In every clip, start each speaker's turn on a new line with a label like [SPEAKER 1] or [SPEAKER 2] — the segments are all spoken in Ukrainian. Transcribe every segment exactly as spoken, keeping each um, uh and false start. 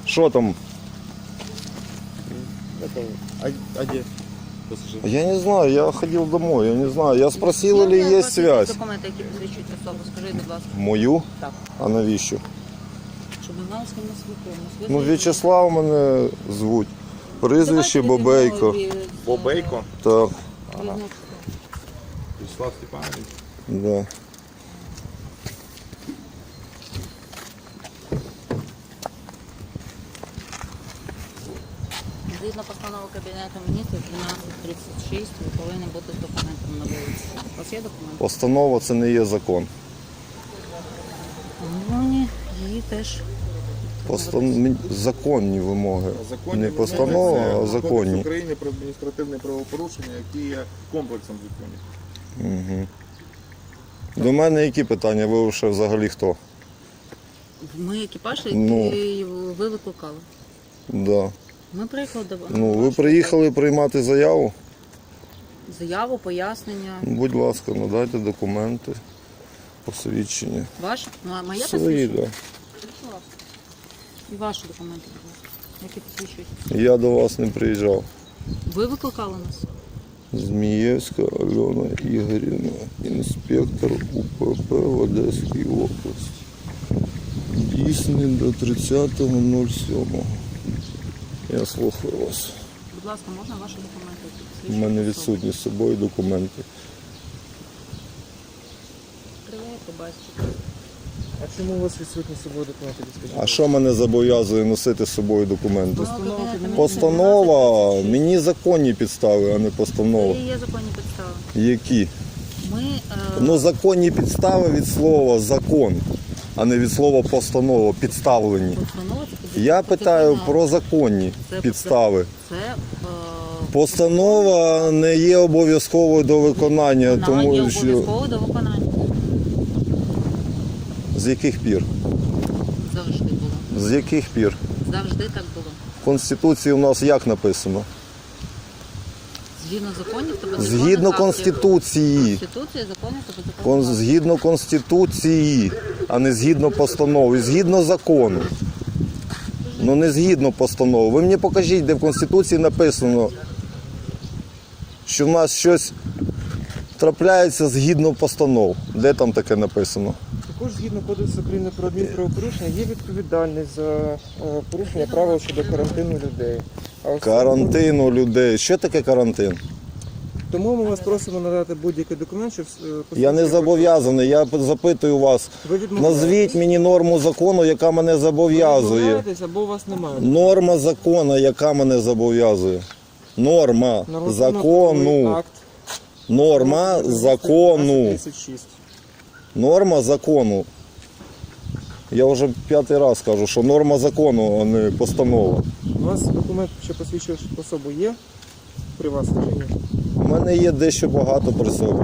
[SPEAKER 1] Что там?
[SPEAKER 2] Это, а, а где пассажир?
[SPEAKER 1] Я не знаю, я ходил домой, я не знаю. Я спросил, или
[SPEAKER 3] Є
[SPEAKER 1] есть связь.
[SPEAKER 3] документи, які посвідчують особу, скажіть, будь ласка.
[SPEAKER 1] Мою?
[SPEAKER 3] Так.
[SPEAKER 1] А навіщо?
[SPEAKER 3] Щоб ми знали, з ким ми спілкуємося. Ви
[SPEAKER 1] Ну,
[SPEAKER 3] знаєте,
[SPEAKER 1] В'ячеслав мене звуть. Прізвище
[SPEAKER 3] давайте
[SPEAKER 1] Бобейко.
[SPEAKER 3] відмові з-
[SPEAKER 2] Бобейко?
[SPEAKER 1] Так,
[SPEAKER 3] Ага.
[SPEAKER 2] Вячеслав Степанович.
[SPEAKER 1] да.
[SPEAKER 3] Згідно постанови Кабінету міністрів дванадцять тридцять шість, ви повинні бути з документом на вулиці. У вас є документи?
[SPEAKER 1] Постанова це не є закон.
[SPEAKER 3] Ну, її теж.
[SPEAKER 1] Постан... Законні вимоги.
[SPEAKER 2] Законні
[SPEAKER 1] Не
[SPEAKER 2] вимоги
[SPEAKER 1] постанова,
[SPEAKER 2] це
[SPEAKER 1] а
[SPEAKER 2] Кодекс
[SPEAKER 1] законні.
[SPEAKER 2] України про адміністративне правопорушення, які є комплексом законів.
[SPEAKER 1] Угу. До мене які питання? Ви ще взагалі хто?
[SPEAKER 3] Ми екіпаж,
[SPEAKER 1] Ну.
[SPEAKER 3] який ви викликали.
[SPEAKER 1] Да.
[SPEAKER 3] Ми приїхали до
[SPEAKER 1] Ну, ви приїхали приймати заяву?
[SPEAKER 3] заяву, пояснення.
[SPEAKER 1] Будь ласка, надайте документи, посвідчення.
[SPEAKER 3] Ваше? Ну, а моє
[SPEAKER 1] Свої,
[SPEAKER 3] посвідчення?
[SPEAKER 1] да.
[SPEAKER 3] Будь ласка. І ваші документи, будь ласка, які посвідчують.
[SPEAKER 1] Я до вас не приїжджав.
[SPEAKER 3] Ви викликали нас?
[SPEAKER 1] Змієвська Альона Ігорівна, інспектор У П П в Одеській області. Дійсний до тридцятого сьомого. Я слухаю вас.
[SPEAKER 3] Будь ласка, можна ваші документи? які
[SPEAKER 1] У
[SPEAKER 3] посвідчують
[SPEAKER 1] мене
[SPEAKER 3] особу?
[SPEAKER 1] відсутні з собою документи.
[SPEAKER 3] Відкриваю, побачите.
[SPEAKER 4] А чому у вас відсутні з собою документи? Скажіть?
[SPEAKER 1] А що мене зобов'язує носити з собою документи?
[SPEAKER 3] Постанова Кабінету Міністрів
[SPEAKER 1] Постанова,
[SPEAKER 3] дванадцять тридцять шість.
[SPEAKER 1] мені законні підстави, а не постанова.
[SPEAKER 3] Це і є законні підстави.
[SPEAKER 1] Які?
[SPEAKER 3] Ми, е,
[SPEAKER 1] Ну, законні підстави від слова закон, а не від слова постанова, підставлені.
[SPEAKER 3] постанова це підстави.
[SPEAKER 1] Я питаю про законні
[SPEAKER 3] Це-
[SPEAKER 1] підстави.
[SPEAKER 3] Це е,
[SPEAKER 1] Постанова не є обов'язковою до виконання,
[SPEAKER 3] вона є
[SPEAKER 1] тому що
[SPEAKER 3] обов'язково до виконання.
[SPEAKER 1] з яких пір?
[SPEAKER 3] Завжди було.
[SPEAKER 1] З яких пір?
[SPEAKER 3] Завжди так було.
[SPEAKER 1] В Конституції у нас як написано?
[SPEAKER 3] Згідно законів та
[SPEAKER 1] Згідно
[SPEAKER 3] підзаконних актів.
[SPEAKER 1] Конституції.
[SPEAKER 3] Конституції, законів та
[SPEAKER 1] Кон-
[SPEAKER 3] підзаконних актів.
[SPEAKER 1] Згідно Конституції, а не згідно постанови, згідно закону. Ну не згідно постанови. Ви мені покажіть, де в Конституції написано, що в нас щось трапляється згідно постанов. Де там таке написано?
[SPEAKER 4] Також згідно Кодексу України про адмінправопорушення є відповідальність за е, порушення правил щодо карантину людей. А ось-
[SPEAKER 1] Карантину людей. Що таке карантин?
[SPEAKER 4] Тому ми вас просимо надати будь-який документ, щоб е,
[SPEAKER 1] Я не
[SPEAKER 4] посвідчити-
[SPEAKER 1] зобов'язаний, я запитую вас.
[SPEAKER 4] Ви відмовляєтесь?
[SPEAKER 1] Назвіть мені норму закону, яка мене
[SPEAKER 4] Ви
[SPEAKER 1] зобов'язує.
[SPEAKER 4] відмовляєтесь або у вас немає.
[SPEAKER 1] Норма закону, яка мене зобов'язує. Норма
[SPEAKER 4] Нормативно-правовий
[SPEAKER 1] закону.
[SPEAKER 4] акт
[SPEAKER 1] Норма закону.
[SPEAKER 4] тридцять шість.
[SPEAKER 1] Норма закону. Я вже п'ятий раз кажу, що норма закону, а не постанова.
[SPEAKER 4] У вас документ, що посвідчує особу, є при вас чи ні?
[SPEAKER 1] У мене є дещо багато при собі.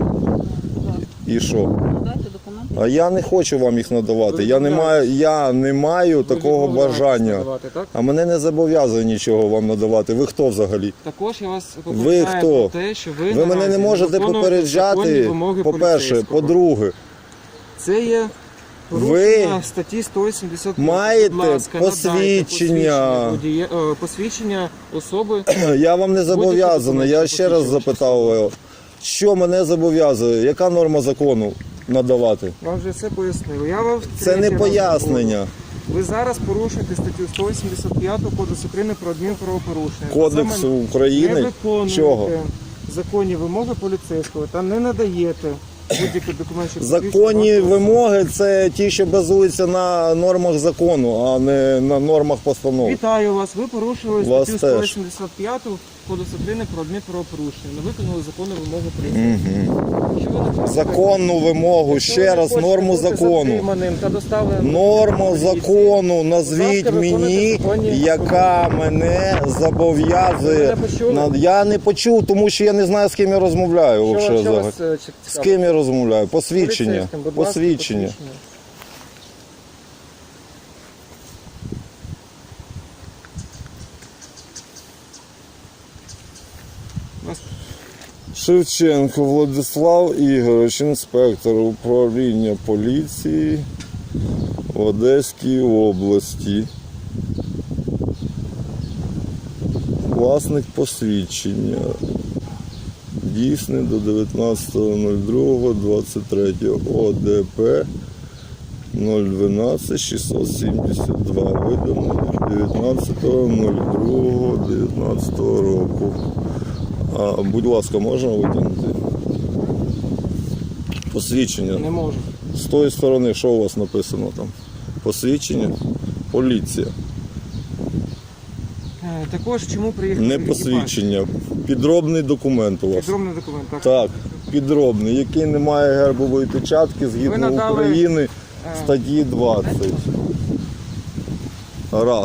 [SPEAKER 1] І що?
[SPEAKER 3] Дайте документи.
[SPEAKER 1] А я не хочу вам їх надавати. Я не маю, я не маю
[SPEAKER 4] Ви
[SPEAKER 1] такого
[SPEAKER 4] відмовляєтесь
[SPEAKER 1] бажання.
[SPEAKER 4] надавати, так?
[SPEAKER 1] А мене не зобов'язує нічого вам надавати. Ви хто взагалі?
[SPEAKER 4] Також я вас
[SPEAKER 1] Ви
[SPEAKER 4] попереджаю
[SPEAKER 1] хто?
[SPEAKER 4] про те, що ви,
[SPEAKER 1] Ви мене не
[SPEAKER 4] наразі
[SPEAKER 1] можете
[SPEAKER 4] виконуєте законні
[SPEAKER 1] попереджати,
[SPEAKER 4] вимоги
[SPEAKER 1] по-перше.
[SPEAKER 4] поліцейського.
[SPEAKER 1] По-друге,
[SPEAKER 4] Це є порушення статті сто вісімдесят п'ять.
[SPEAKER 1] маєте
[SPEAKER 4] Будь ласка, надайте
[SPEAKER 1] посвідчення.
[SPEAKER 4] водія- е, посвідчення особи.
[SPEAKER 1] я вам не зобов'язаний. Я ще раз запитав, що мене зобов'язує, яка норма закону надавати?
[SPEAKER 4] Вам вже все пояснив. Я вам
[SPEAKER 1] Це
[SPEAKER 4] третій
[SPEAKER 1] не
[SPEAKER 4] раз
[SPEAKER 1] пояснення.
[SPEAKER 4] говорю. Ви зараз порушуєте статтю сто вісімдесят п'ять Кодексу України про адмінправопорушення.
[SPEAKER 1] Кодексу
[SPEAKER 4] Саме не
[SPEAKER 1] України?
[SPEAKER 4] виконуєте
[SPEAKER 1] Чого?
[SPEAKER 4] законні вимоги поліцейського та не надаєте будь-який документ, що
[SPEAKER 1] Законні
[SPEAKER 4] посвідчує вашу
[SPEAKER 1] вимоги це ті, що базуються на нормах закону, а не на нормах постанов.
[SPEAKER 4] Вітаю вас. Ви порушили
[SPEAKER 1] Вас
[SPEAKER 4] статтю
[SPEAKER 1] теж.
[SPEAKER 4] сто вісімдесят п'ять Кодексу України про адмінправопорушення. Не виконали законну вимогу поліцейського. Що ви не хочете?
[SPEAKER 1] Законну вимогу,
[SPEAKER 4] Якщо ви
[SPEAKER 1] ще
[SPEAKER 4] не
[SPEAKER 1] раз,
[SPEAKER 4] хочете
[SPEAKER 1] норму
[SPEAKER 4] бути
[SPEAKER 1] закону.
[SPEAKER 4] затриманим та доставленим
[SPEAKER 1] Норму
[SPEAKER 4] до поліції,
[SPEAKER 1] закону назвіть
[SPEAKER 4] Будь ласка, виконуйте
[SPEAKER 1] мені,
[SPEAKER 4] законні
[SPEAKER 1] яка мене зобов'язує.
[SPEAKER 4] Ви мене почули?
[SPEAKER 1] На- Я не почув, тому що я не знаю, з ким я розмовляю.
[SPEAKER 4] Що,
[SPEAKER 1] вообще
[SPEAKER 4] що
[SPEAKER 1] взагалі.
[SPEAKER 4] вас е, чи-
[SPEAKER 1] З
[SPEAKER 4] цікавить?
[SPEAKER 1] ким я розмовляю? Посвідчення.
[SPEAKER 4] Поліцейським, будь ласка,
[SPEAKER 1] Посвідчення.
[SPEAKER 4] Вас-
[SPEAKER 1] Шевченко Владислав Ігорович, інспектор управління поліції в Одеській області. власник посвідчення. Дійсний до дев'ятнадцятого другого двадцять три. О Д П нуль дванадцять шістсот сімдесят два. Видано дев'ятнадцятого другого дев'ятнадцятого року. А, будь ласка, можна витягнути? Посвідчення.
[SPEAKER 4] Не можу.
[SPEAKER 1] З тої сторони, що у вас написано там? Посвідчення? Поліція.
[SPEAKER 4] Е, Також чому приїхали?
[SPEAKER 1] Не
[SPEAKER 4] екіпаж?
[SPEAKER 1] посвідчення. Підробний документ у вас.
[SPEAKER 4] Підробний документ, так.
[SPEAKER 1] Так, підробний, який не має гербової печатки
[SPEAKER 4] Ви
[SPEAKER 1] згідно
[SPEAKER 4] надали,
[SPEAKER 1] України
[SPEAKER 4] е,
[SPEAKER 1] статті двадцять. Раз.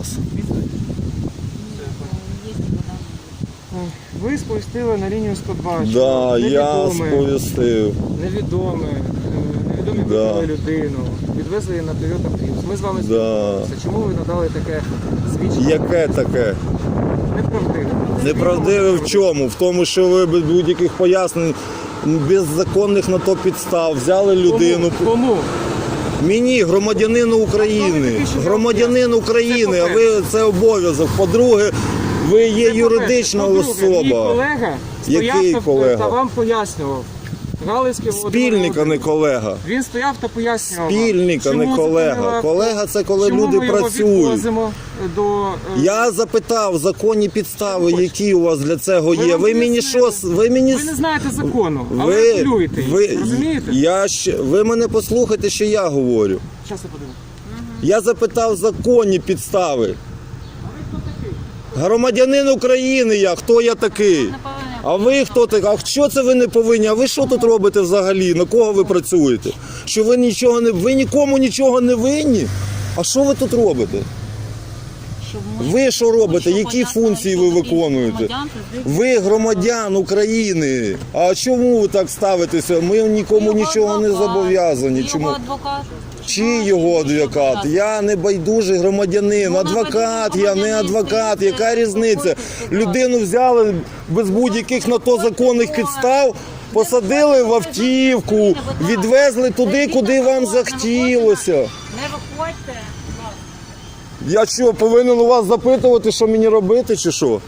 [SPEAKER 4] Ви сповістили на лінію сто два, що
[SPEAKER 1] Да, я
[SPEAKER 4] невідоме,
[SPEAKER 1] сповістив.
[SPEAKER 4] невідоме, е, невідомі
[SPEAKER 1] Да.
[SPEAKER 4] викрили людину, відвезли її на Toyota Prius. Ми з вами
[SPEAKER 1] Да.
[SPEAKER 4] спілкувалися. Чому ви надали таке свідчення?
[SPEAKER 1] Яке таке?
[SPEAKER 4] Неправдиве.
[SPEAKER 1] Неправдиве в чому? В тому, що ви без будь-яких пояснень, без законних на то підстав взяли людину.
[SPEAKER 4] Кому? Кому?
[SPEAKER 1] Мені, громадянину України. Громадянин України, а ви це обов'язок. По-друге, ви є юридична
[SPEAKER 4] По-друге, Мій
[SPEAKER 1] особа.
[SPEAKER 4] колега стояв
[SPEAKER 1] Який
[SPEAKER 4] та-
[SPEAKER 1] колега?
[SPEAKER 4] та вам пояснював. Галицький Володимир
[SPEAKER 1] Спільника, не
[SPEAKER 4] Володимирович.
[SPEAKER 1] колега.
[SPEAKER 4] Він стояв та пояснював. вам,
[SPEAKER 1] Спільника,
[SPEAKER 4] чому
[SPEAKER 1] не колега.
[SPEAKER 4] зупинила-
[SPEAKER 1] Колега це коли
[SPEAKER 4] чому
[SPEAKER 1] люди
[SPEAKER 4] ми його
[SPEAKER 1] працюють.
[SPEAKER 4] відвозимо до... е,
[SPEAKER 1] Я запитав законні підстави, які у вас для цього
[SPEAKER 4] Ми
[SPEAKER 1] є.
[SPEAKER 4] вам
[SPEAKER 1] Ви мені
[SPEAKER 4] пояснили.
[SPEAKER 1] що? Ви мені
[SPEAKER 4] Ви не знаєте закону, але
[SPEAKER 1] ви,
[SPEAKER 4] апелюєте.
[SPEAKER 1] ви,
[SPEAKER 4] Розумієте?
[SPEAKER 1] я ще, ви мене послухайте, що я говорю.
[SPEAKER 4] Щас я подивлюсь.
[SPEAKER 1] Я запитав законні підстави. Громадянин України я, хто я такий? А ви хто такий? А що це ви не повинні? А ви що тут робите взагалі? На кого ви працюєте? Що ви нічого не ви нікому нічого не винні? А що ви тут робите?
[SPEAKER 3] Щоб ми-
[SPEAKER 1] Ви що робите?
[SPEAKER 3] щоб
[SPEAKER 1] Які
[SPEAKER 3] пояснили,
[SPEAKER 1] функції
[SPEAKER 3] що
[SPEAKER 1] ви
[SPEAKER 3] таке
[SPEAKER 1] виконуєте?
[SPEAKER 3] громадян, це звідки-
[SPEAKER 1] Ви громадян України. А чому ви так ставитеся? Ми нікому
[SPEAKER 3] Його
[SPEAKER 1] нічого не
[SPEAKER 3] адвокат,
[SPEAKER 1] зобов'язані.
[SPEAKER 3] його
[SPEAKER 1] Чому?
[SPEAKER 3] адвокат.
[SPEAKER 1] Чи його адвокат? Я не байдужий громадянин.
[SPEAKER 3] Ну,
[SPEAKER 1] Адвокат,
[SPEAKER 3] байдужий
[SPEAKER 1] я не
[SPEAKER 3] громадянин,
[SPEAKER 1] адвокат.
[SPEAKER 3] це
[SPEAKER 1] Яка різниця?
[SPEAKER 3] виходить,
[SPEAKER 1] Людину взяли без будь-яких на то законних підстав, посадили в автівку, відвезли туди, куди вам захотілося.
[SPEAKER 3] Не виходьте.
[SPEAKER 1] Я що, повинен у вас запитувати, що мені робити, чи що?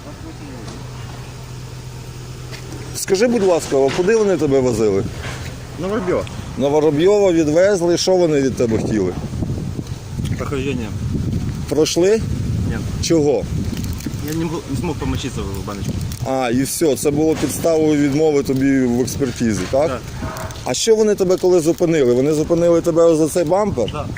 [SPEAKER 1] Скажи, будь ласка, а куди вони тебе возили?
[SPEAKER 5] На Воробьева.
[SPEAKER 1] На Воробйова відвезли, що вони від тебе хотіли?
[SPEAKER 5] Прохождение.
[SPEAKER 1] Пройшли?
[SPEAKER 5] Нет.
[SPEAKER 1] Чого?
[SPEAKER 5] Я не, был- не смог помочиться в баночку.
[SPEAKER 1] А, і все, це було підставою відмови тобі в експертизі, так?
[SPEAKER 5] Так.
[SPEAKER 1] А що вони тебе коли зупинили? Вони зупинили тебе за цей бампер?
[SPEAKER 5] Так.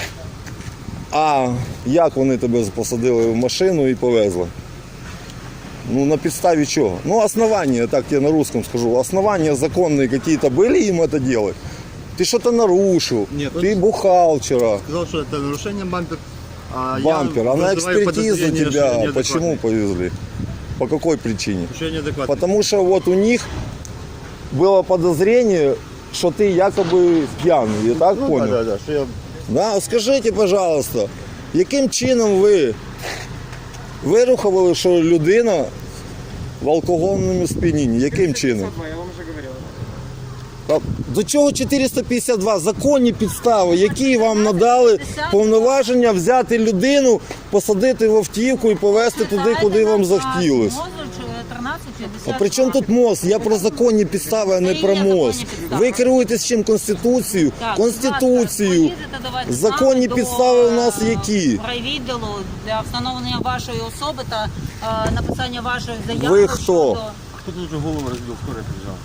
[SPEAKER 1] А як вони тебе посадили в машину і повезли? Ну, на підставі чого? Ну, основания, так я на русском скажу, основания законные какие-то были им это делать? Ты что-то нарушил,
[SPEAKER 5] Нет,
[SPEAKER 1] ты
[SPEAKER 5] он-
[SPEAKER 1] бухал вчера.
[SPEAKER 5] Сказал, что это нарушение бампер. А
[SPEAKER 1] Бампер,
[SPEAKER 5] я
[SPEAKER 1] а на
[SPEAKER 5] вызываю
[SPEAKER 1] экспертизу
[SPEAKER 5] подозрение, что
[SPEAKER 1] тебя
[SPEAKER 5] я неадекватный.
[SPEAKER 1] почему повезли? По какой причине?
[SPEAKER 5] Что я неадекватный.
[SPEAKER 1] Потому что вот у них было подозрение, что ты якобы пьяный, я так
[SPEAKER 5] Ну,
[SPEAKER 1] понял?
[SPEAKER 5] да, да, да, что я...
[SPEAKER 1] Да, скажіть, пожалуйста, яким чином ви вирухували, що людина в алкогольному сп'янінні? Яким чином?
[SPEAKER 4] Я вам вже говорив.
[SPEAKER 1] А до чого чотириста п'ятдесят два? Законні підстави, які вам надали повноваження взяти людину, посадити в автівку і повезти туди, куди вам захотілося. А при чому тут мост? Я про законні підстави, а не про мост. Ви керуєтесь чим? Конституцією? Конституцією. Законні підстави у нас які?
[SPEAKER 3] Райвідділу для встановлення вашої особи та е, написання вашої заяви.
[SPEAKER 1] Ви хто?
[SPEAKER 3] щодо-
[SPEAKER 5] Кто-то уже голову разбил, скорая приезжала.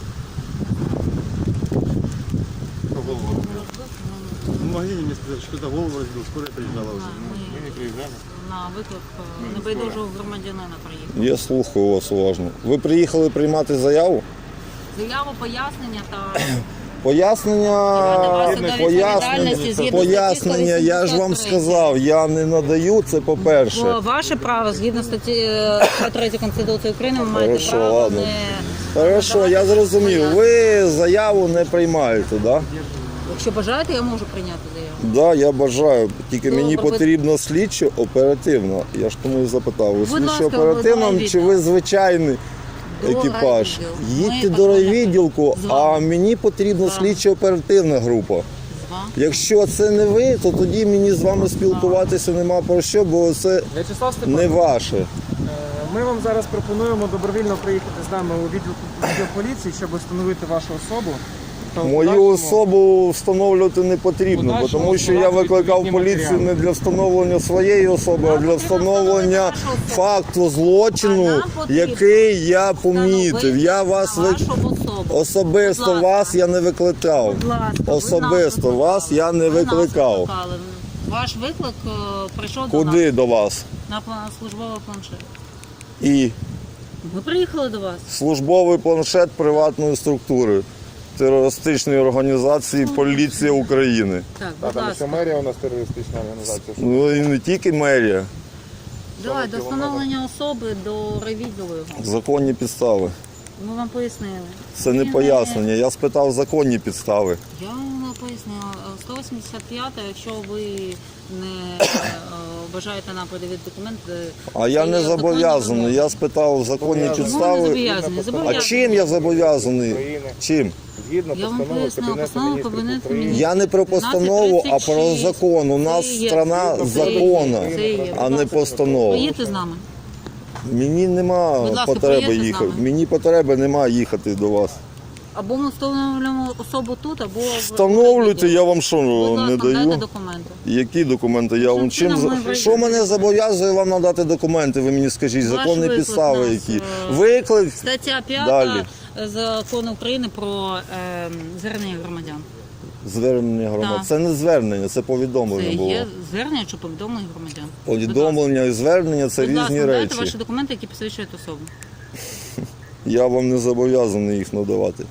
[SPEAKER 5] Кто голову разбил? В магазине мне сказали, что кто-то голову разбил, скорая приезжала уже. Мы не приезжали.
[SPEAKER 3] На виклик е, небайдужого громадянина приїхав.
[SPEAKER 1] Я слухаю вас уважно. Ви приїхали приймати заяву?
[SPEAKER 3] Заяву, пояснення та
[SPEAKER 1] Пояснення,
[SPEAKER 3] Відповідальності
[SPEAKER 1] пояснення,
[SPEAKER 3] згідно
[SPEAKER 1] пояснення, я ж вам сказав, я не надаю, це
[SPEAKER 3] Бо
[SPEAKER 1] по-перше.
[SPEAKER 3] ваше право згідно статті е, третьої Конституції України ви маєте
[SPEAKER 1] Хорошо,
[SPEAKER 3] право
[SPEAKER 1] ладно.
[SPEAKER 3] не
[SPEAKER 1] Хорошо, я зрозумів. Ви заяву не приймаєте, так? Да?
[SPEAKER 3] якщо бажаєте, я можу прийняти заяву.
[SPEAKER 1] Да, я бажаю. Тільки
[SPEAKER 3] Добре,
[SPEAKER 1] мені
[SPEAKER 3] ви-
[SPEAKER 1] потрібно слідчо оперативно. Я ж тому і запитав. Ви
[SPEAKER 3] Будь
[SPEAKER 1] слідчо
[SPEAKER 3] ласка,
[SPEAKER 1] оперативно
[SPEAKER 3] ви
[SPEAKER 1] чи ви звичайний
[SPEAKER 3] До
[SPEAKER 1] екіпаж?
[SPEAKER 3] райвідділу.
[SPEAKER 1] Їдьте
[SPEAKER 3] Ми
[SPEAKER 1] до
[SPEAKER 3] патрульна-
[SPEAKER 1] райвідділку,
[SPEAKER 3] з вами.
[SPEAKER 1] а мені потрібна
[SPEAKER 3] З вами.
[SPEAKER 1] слідчо оперативна група.
[SPEAKER 3] З вами.
[SPEAKER 1] Якщо це не ви, то тоді мені з вами спілкуватися нема про що, бо це
[SPEAKER 4] В'ячеслав
[SPEAKER 1] не
[SPEAKER 4] Степанович,
[SPEAKER 1] ваше.
[SPEAKER 4] е, Ми вам зараз пропонуємо добровільно приїхати з нами у відділ відділ поліції, щоб встановити вашу особу. Та в
[SPEAKER 1] Мою
[SPEAKER 4] подальшому-
[SPEAKER 1] особу встановлювати не потрібно, бо
[SPEAKER 4] Подальшому
[SPEAKER 1] тому що я
[SPEAKER 4] складати
[SPEAKER 1] викликав
[SPEAKER 4] відповідні
[SPEAKER 1] поліцію
[SPEAKER 4] матеріали.
[SPEAKER 1] не для встановлення своєї особи, а для встановлення факту злочину, який я помітив. Я вас ви...
[SPEAKER 3] Вашу особу.
[SPEAKER 1] особисто
[SPEAKER 3] Будь ласка.
[SPEAKER 1] вас я не викликав.
[SPEAKER 3] Будь ласка, ви
[SPEAKER 1] Особисто
[SPEAKER 3] нас
[SPEAKER 1] вас я не
[SPEAKER 3] Ви нас
[SPEAKER 1] викликав.
[SPEAKER 3] викликали. Ваш виклик е, прийшов до
[SPEAKER 1] Куди
[SPEAKER 3] нас
[SPEAKER 1] до вас?
[SPEAKER 3] на пла- службовий планшет.
[SPEAKER 1] І
[SPEAKER 3] Ми приїхали до вас.
[SPEAKER 1] службовий планшет приватної структури терористичної організації Поліція України.
[SPEAKER 3] Так,
[SPEAKER 2] Та,
[SPEAKER 3] будь
[SPEAKER 2] тому що
[SPEAKER 3] ласка.
[SPEAKER 2] мерія у нас терористична організація. що-
[SPEAKER 1] Ну і не тільки мерія,
[SPEAKER 3] Давай, до встановлення особи, до ревідділу його.
[SPEAKER 1] законні підстави.
[SPEAKER 3] Ми вам пояснили.
[SPEAKER 1] Це не
[SPEAKER 3] Він
[SPEAKER 1] пояснення. Я спитав законні підстави.
[SPEAKER 3] Я вам пояснила. сто вісімдесят п'ята, якщо ви не е, бажаєте нам подивити документи.
[SPEAKER 1] А я
[SPEAKER 3] це
[SPEAKER 1] не
[SPEAKER 3] є
[SPEAKER 1] зобов'язаний.
[SPEAKER 3] законна
[SPEAKER 1] Я спитав законні
[SPEAKER 2] Зобов'язаний.
[SPEAKER 3] Чому не
[SPEAKER 1] підстави.
[SPEAKER 3] зобов'язаний?
[SPEAKER 1] А
[SPEAKER 3] Зобов'язаний.
[SPEAKER 1] чим я зобов'язаний?
[SPEAKER 2] України.
[SPEAKER 1] Чим?
[SPEAKER 2] Згідно
[SPEAKER 3] Я вам
[SPEAKER 2] постанови
[SPEAKER 3] пояснила,
[SPEAKER 2] Кабінету
[SPEAKER 3] постанова
[SPEAKER 2] Міністрів
[SPEAKER 3] Кабінету
[SPEAKER 2] України.
[SPEAKER 3] Міністрів.
[SPEAKER 1] Я не про постанову, а про закон. У нас
[SPEAKER 3] Це є.
[SPEAKER 1] страна
[SPEAKER 3] Це є.
[SPEAKER 1] закона,
[SPEAKER 3] Це є.
[SPEAKER 1] а не
[SPEAKER 3] Будь ласка.
[SPEAKER 1] постанова.
[SPEAKER 3] Поїдьте з нами.
[SPEAKER 1] Мені нема
[SPEAKER 3] Будь ласка,
[SPEAKER 1] потреби
[SPEAKER 3] поїдьте з
[SPEAKER 1] їхати.
[SPEAKER 3] нами.
[SPEAKER 1] Мені потреби немає їхати до вас.
[SPEAKER 3] Або ми встановлюємо особу тут, або... в-
[SPEAKER 1] Встановлюйте, я вам що
[SPEAKER 3] Будь
[SPEAKER 1] не
[SPEAKER 3] ласка, дайте
[SPEAKER 1] даю.
[SPEAKER 3] документи.
[SPEAKER 1] Які документи? Я вам чим
[SPEAKER 3] чином ми
[SPEAKER 1] за-
[SPEAKER 3] вийдемо?
[SPEAKER 1] що мене зобов'язує вам надати документи? Ви мені скажіть,
[SPEAKER 3] Ваш
[SPEAKER 1] законні
[SPEAKER 3] виклик
[SPEAKER 1] підстави
[SPEAKER 3] нас,
[SPEAKER 1] які?
[SPEAKER 3] е,
[SPEAKER 1] Виклик
[SPEAKER 3] Стаття
[SPEAKER 1] Далі.
[SPEAKER 3] п'ята Закону України про е, звернення громадян.
[SPEAKER 1] звернення громад.
[SPEAKER 3] Так.
[SPEAKER 1] Це не звернення, це
[SPEAKER 3] Це
[SPEAKER 1] повідомлення було.
[SPEAKER 3] є звернення чи повідомлення громадян.
[SPEAKER 1] Повідомлення і звернення це
[SPEAKER 3] Будь ласка,
[SPEAKER 1] різні
[SPEAKER 3] дайте
[SPEAKER 1] речі.
[SPEAKER 3] ваші документи, які посвідчують особу.
[SPEAKER 1] Я вам не зобов'язаний їх надавати.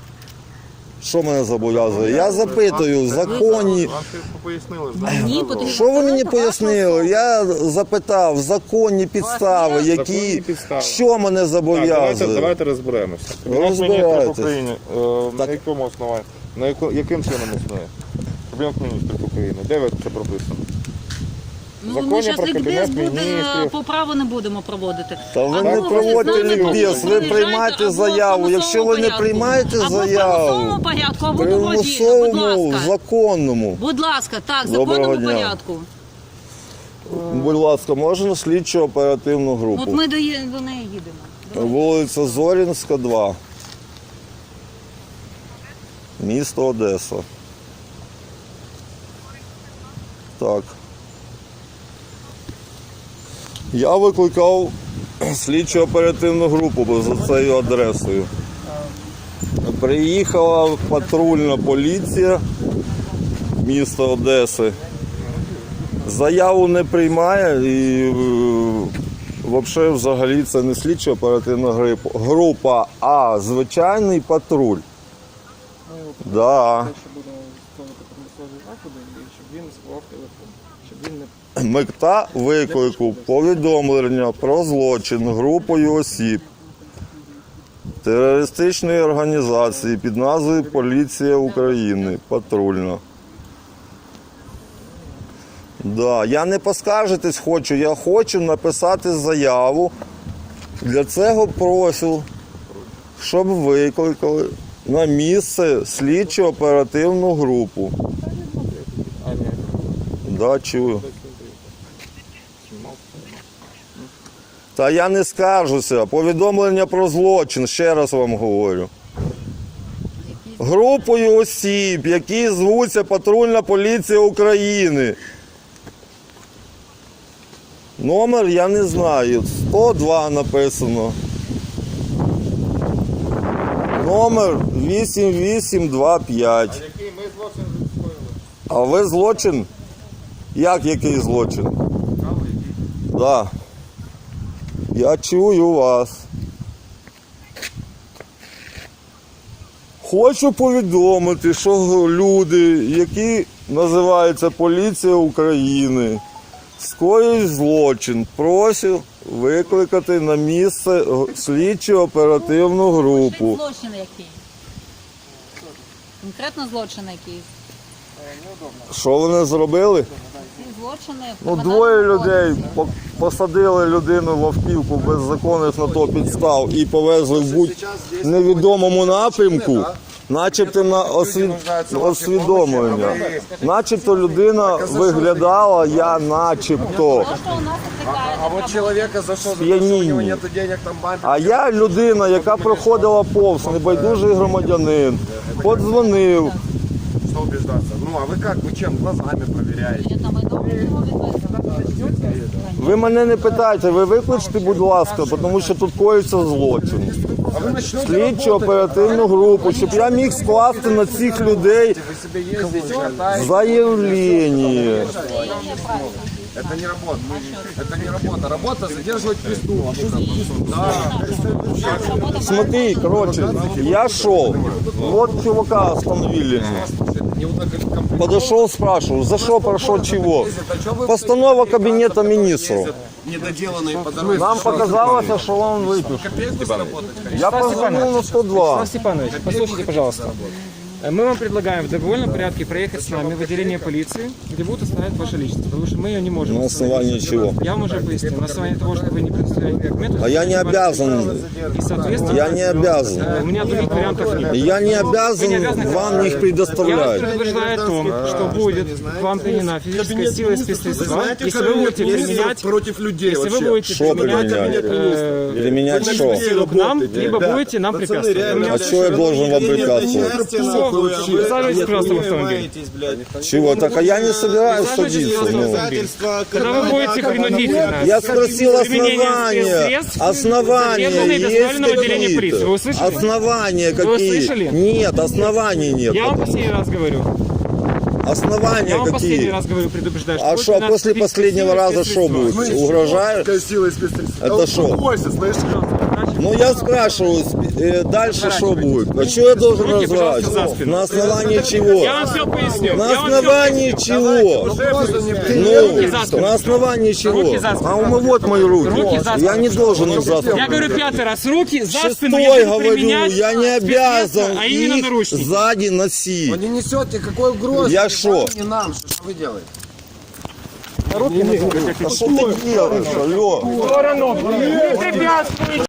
[SPEAKER 1] Що мене зобов'язує? Я запитую в законі.
[SPEAKER 2] Вам ще пояснили.
[SPEAKER 3] Мені потрібно
[SPEAKER 1] Що ви мені
[SPEAKER 3] сказати вашу
[SPEAKER 1] пояснили?
[SPEAKER 3] особу.
[SPEAKER 1] Я запитав законні підстави,
[SPEAKER 3] є
[SPEAKER 1] які
[SPEAKER 2] законні підстави.
[SPEAKER 1] що мене
[SPEAKER 2] Так, давайте,
[SPEAKER 1] зобов'язує.
[SPEAKER 2] давайте розберемося.
[SPEAKER 1] Розбирайтесь.
[SPEAKER 2] Кабінет Міністрів України, е,
[SPEAKER 1] Так.
[SPEAKER 2] на якому основанні? На яко- яким чином існує? Кабінет Міністрів України. Де ви це прописано?
[SPEAKER 3] Ну,
[SPEAKER 2] Законі
[SPEAKER 3] ми зараз
[SPEAKER 2] про
[SPEAKER 3] лікбез
[SPEAKER 2] Кабінет
[SPEAKER 3] буде,
[SPEAKER 2] Міністрів.
[SPEAKER 3] по праву не будемо проводити.
[SPEAKER 1] Та ви
[SPEAKER 3] Або
[SPEAKER 1] не
[SPEAKER 3] ви
[SPEAKER 1] проводьте
[SPEAKER 3] з нами
[SPEAKER 1] лікбез, ви
[SPEAKER 3] приїжджайте,
[SPEAKER 1] приймайте
[SPEAKER 3] або в
[SPEAKER 1] заяву.
[SPEAKER 3] примусовому
[SPEAKER 1] Якщо ви не
[SPEAKER 3] порядку.
[SPEAKER 1] приймаєте
[SPEAKER 3] Або в
[SPEAKER 1] заяву,
[SPEAKER 3] примусовому порядку, або добровільно. Будь
[SPEAKER 1] примусовому,
[SPEAKER 3] ласка.
[SPEAKER 1] законному.
[SPEAKER 3] Будь ласка, так, в
[SPEAKER 1] Доброго
[SPEAKER 3] законному
[SPEAKER 1] дня.
[SPEAKER 3] порядку.
[SPEAKER 1] Будь ласка, можна слідчо оперативну
[SPEAKER 3] От
[SPEAKER 1] групу.
[SPEAKER 3] ми до, є- до неї їдемо. Давай.
[SPEAKER 1] Вулиця Зорінська, два. Місто Одеса. Так. Я викликав слідчо оперативну групу за цією адресою. Приїхала патрульна поліція міста Одеси. Заяву не приймає і взагалі, взагалі це не слідчо оперативна грип- група, а звичайний патруль. Да.
[SPEAKER 4] Те, що будемо виконувати примусові заходи, і щоб він сховав телефон. Щоб він не
[SPEAKER 1] Мета виклику повідомлення про злочин групою осіб терористичної організації під назвою Поліція України. Патрульна. Да, я не поскаржитись хочу, я хочу написати заяву. Для цього прошу, щоб викликали на місце слідчо оперативну групу.
[SPEAKER 2] А, ні.
[SPEAKER 1] Да, чую. Та я не скаржуся. Повідомлення про злочин, ще раз вам говорю. Групою осіб, які звуться Патрульна поліція України. Номер я не знаю. сто два написано. Номер вісім вісім два п'ять.
[SPEAKER 2] Який ми злочин скоїли?
[SPEAKER 1] А ви злочин? Як який злочин? Так. Да. Я чую вас. Хочу повідомити, що люди, які називаються Поліція України, скоюють злочин, прошу викликати на місце слідчо оперативну групу.
[SPEAKER 3] Злочин який? Конкретно злочин який?
[SPEAKER 1] Що вони зробили?
[SPEAKER 3] Ці злочини... в
[SPEAKER 1] Ну,
[SPEAKER 3] Кримінальному
[SPEAKER 1] двоє людей
[SPEAKER 3] кодексі.
[SPEAKER 1] по- посадили людину в автівку без законних на то підстав і повезли в будь-невідомому напрямку. начебто на освід... освідомлення. Начебто людина виглядала, я начебто.
[SPEAKER 3] То, що у нас отвлекает
[SPEAKER 6] А вот человека зашел, за то, что у
[SPEAKER 1] Сп'яніння.
[SPEAKER 6] него нет денег, там бампер.
[SPEAKER 1] А я людина, яка проходила повз, небайдужий громадянин, подзвонив.
[SPEAKER 6] Что убеждаться? Ну, а вы как? Вы чем? Глазами проверяете?
[SPEAKER 3] это мы дома
[SPEAKER 1] Ви мене не питайте, ви викличте, будь ласка, тому що тут коїться злочин.
[SPEAKER 6] А вы начнете
[SPEAKER 1] Слідчу оперативну групу, щоб я міг скласти на цих людей
[SPEAKER 6] Вы себе ездите, катаетесь.
[SPEAKER 1] заявлення.
[SPEAKER 6] Это не работа. Это не работа. Работа задерживать преступника. Да.
[SPEAKER 1] Смотри, короче, я шел, вот чувака остановили. Подошел, спрашиваю, за что прошел чего? Постанова кабинета министров.
[SPEAKER 6] Недоделанные по дороге.
[SPEAKER 1] Нам показалось, что он выпил. Я позвонил на сто два.
[SPEAKER 4] Стас Степанович, послушайте, пожалуйста. Мы вам предлагаем в добровольном порядке проехать с нами в отделение полиции, где будут оставлять вашу личность, потому что мы ее не можем
[SPEAKER 1] На основании
[SPEAKER 4] установить.
[SPEAKER 1] чего?
[SPEAKER 4] Я вам уже пояснил. На основании того, что вы не предоставляете документы.
[SPEAKER 1] А я не обязан.
[SPEAKER 4] И, соответственно,
[SPEAKER 1] Я не обязан.
[SPEAKER 4] э, у меня других вариантов нет.
[SPEAKER 1] Я не обязан вам их
[SPEAKER 4] Я вас
[SPEAKER 1] предоставлять.
[SPEAKER 4] предупреждаю о том, что будет к вам применена физическая сила и спецсредства, если вы будете применять,
[SPEAKER 6] против людей
[SPEAKER 4] если вы будете
[SPEAKER 1] Что
[SPEAKER 4] применять,
[SPEAKER 1] применять?
[SPEAKER 4] э,
[SPEAKER 1] Применять что?
[SPEAKER 4] силу к нам, либо будете нам препятствовать. Вы меня
[SPEAKER 1] А что я должен вам препятствовать?
[SPEAKER 4] Присаживайтесь, пожалуйста, в автомобиль.
[SPEAKER 1] Чего? Так а я не собираюсь
[SPEAKER 4] Присаживайтесь,
[SPEAKER 1] садиться.
[SPEAKER 4] пожалуйста, в
[SPEAKER 1] Ну.
[SPEAKER 4] автомобиль. Когда вы будете принудительно
[SPEAKER 1] Я спросил
[SPEAKER 4] применение
[SPEAKER 1] основания.
[SPEAKER 4] спецсредств,
[SPEAKER 1] Основания
[SPEAKER 4] задержанные
[SPEAKER 1] есть
[SPEAKER 4] доставлены в отделение полиции. Вы
[SPEAKER 1] какие-то?
[SPEAKER 4] услышали?
[SPEAKER 1] Основания
[SPEAKER 4] Вы
[SPEAKER 1] какие?
[SPEAKER 4] слышали?
[SPEAKER 1] Нет, оснований нет.
[SPEAKER 4] Я вам последний раз говорю.
[SPEAKER 1] Основания
[SPEAKER 4] Я вам последний
[SPEAKER 1] какие?
[SPEAKER 4] раз говорю, предупреждаю.
[SPEAKER 1] А
[SPEAKER 4] будет
[SPEAKER 1] что,
[SPEAKER 4] применяться
[SPEAKER 1] после
[SPEAKER 4] физическая
[SPEAKER 1] последнего
[SPEAKER 4] сила и
[SPEAKER 1] раза что
[SPEAKER 4] спецсредства.
[SPEAKER 1] будет? Угрожают?
[SPEAKER 6] сила и спецсредства.
[SPEAKER 1] Это что?
[SPEAKER 6] Успокойся, слышишь?
[SPEAKER 1] Ну я спрашиваю, э, дальше что будет? А что я должен
[SPEAKER 4] Руки, пожалуйста, за
[SPEAKER 1] разворачивать?
[SPEAKER 4] спину.
[SPEAKER 1] На основании чего?
[SPEAKER 4] Я вам все поясню.
[SPEAKER 1] На
[SPEAKER 4] Я вам всё
[SPEAKER 1] основании чего?
[SPEAKER 4] Руки за
[SPEAKER 1] Ну,
[SPEAKER 4] спину.
[SPEAKER 1] на основании чего?
[SPEAKER 4] Руки за спину.
[SPEAKER 1] А у меня вот мои руки.
[SPEAKER 4] Руки за
[SPEAKER 1] Я
[SPEAKER 4] спину.
[SPEAKER 1] не должен их за
[SPEAKER 4] Я
[SPEAKER 1] спину.
[SPEAKER 4] говорю пятый раз. Руки за спину.
[SPEAKER 1] Шестой
[SPEAKER 4] Я буду
[SPEAKER 1] говорю,
[SPEAKER 4] применять
[SPEAKER 1] я не
[SPEAKER 4] спецсредства,
[SPEAKER 1] обязан
[SPEAKER 4] а именно
[SPEAKER 1] их
[SPEAKER 4] наручники.
[SPEAKER 1] сзади носить.
[SPEAKER 6] Вы не несете какой угрозы.
[SPEAKER 1] Я
[SPEAKER 6] Ни
[SPEAKER 1] шо?
[SPEAKER 6] вам, ни нам. Что вы делаете?
[SPEAKER 1] А что ты делаешь, алло?
[SPEAKER 4] Не препятствуйте.